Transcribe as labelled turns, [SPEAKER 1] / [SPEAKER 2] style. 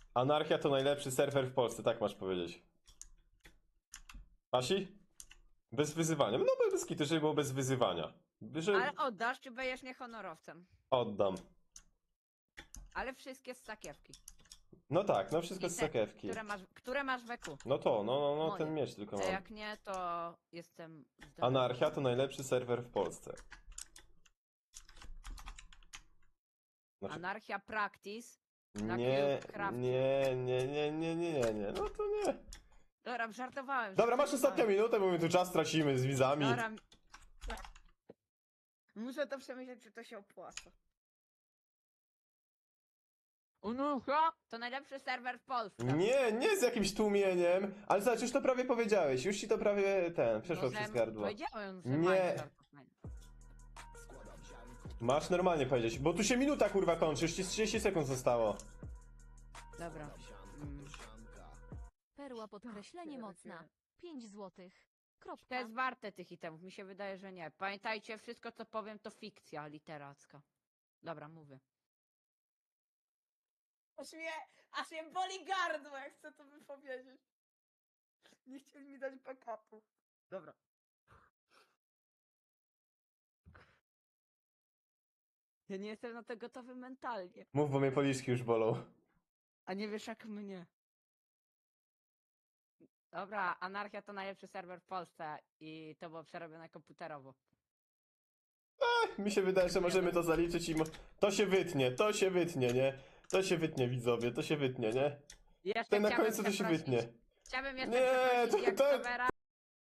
[SPEAKER 1] Anarchia to najlepszy serwer w Polsce, tak masz powiedzieć. Asi? Bez wyzywania. No bez kitu, żeby było bez wyzywania.
[SPEAKER 2] Ale oddasz, czy będziesz niehonorowcem?
[SPEAKER 1] Oddam.
[SPEAKER 2] Ale wszystkie z sakiewki.
[SPEAKER 1] No tak, no wszystko
[SPEAKER 2] I
[SPEAKER 1] z
[SPEAKER 2] te,
[SPEAKER 1] sakiewki.
[SPEAKER 2] Które masz w EQ.
[SPEAKER 1] No to, no
[SPEAKER 2] Moje.
[SPEAKER 1] ten miecz tylko
[SPEAKER 2] A
[SPEAKER 1] mam.
[SPEAKER 2] jak nie, to jestem...
[SPEAKER 1] Anarchia to najlepszy serwer w Polsce. Znaczy,
[SPEAKER 2] Anarchia Practice. na
[SPEAKER 1] nie,
[SPEAKER 2] Cubecrafcie.
[SPEAKER 1] nie, no to nie.
[SPEAKER 2] Dobra, żartowałem.
[SPEAKER 1] Dobra, masz ostatnią minutę, bo my tu czas tracimy z widzami.
[SPEAKER 2] Dobra. Muszę to przemyśleć, czy to się opłaca. Anarchia to najlepszy serwer w Polsce.
[SPEAKER 1] Nie z jakimś tłumieniem, ale zobacz, już to prawie powiedziałeś, już ci to prawie przeszło przez gardło.
[SPEAKER 2] Powiedziałem, że
[SPEAKER 1] Nie.
[SPEAKER 2] mają żartowanie.
[SPEAKER 1] Masz normalnie powiedzieć, bo tu się minuta kurwa kończy, już ci z 30 sekund zostało.
[SPEAKER 2] Dobra.
[SPEAKER 3] Perła podkreślenie mocna. 5 złotych.
[SPEAKER 2] To
[SPEAKER 3] Kropka.
[SPEAKER 2] jest warte tych itemów, mi się wydaje, że nie. Pamiętajcie, wszystko co powiem to fikcja literacka. Dobra, mówię. Aż mnie boli gardło, jak chcę to wypowiedzieć. Nie chcieli mi dać backupu. Dobra. Ja nie jestem na to gotowy mentalnie.
[SPEAKER 1] Mów, bo mnie policzki już bolą.
[SPEAKER 2] A nie wiesz jak mnie. Dobra, Anarchia to najlepszy serwer w Polsce i to było przerobione komputerowo.
[SPEAKER 1] Mi się wydaje, że możemy to zaliczyć i to się wytnie, nie? To się wytnie, widzowie, to się wytnie, nie?
[SPEAKER 2] Jeszcze
[SPEAKER 1] Ten na
[SPEAKER 2] chciałbym
[SPEAKER 1] końcu to się
[SPEAKER 2] przeprosić-
[SPEAKER 1] wytnie.
[SPEAKER 2] Chciałbym jeszcze
[SPEAKER 1] Nie,
[SPEAKER 2] przeprosić
[SPEAKER 1] to-
[SPEAKER 2] jak
[SPEAKER 1] to-
[SPEAKER 2] Sobera.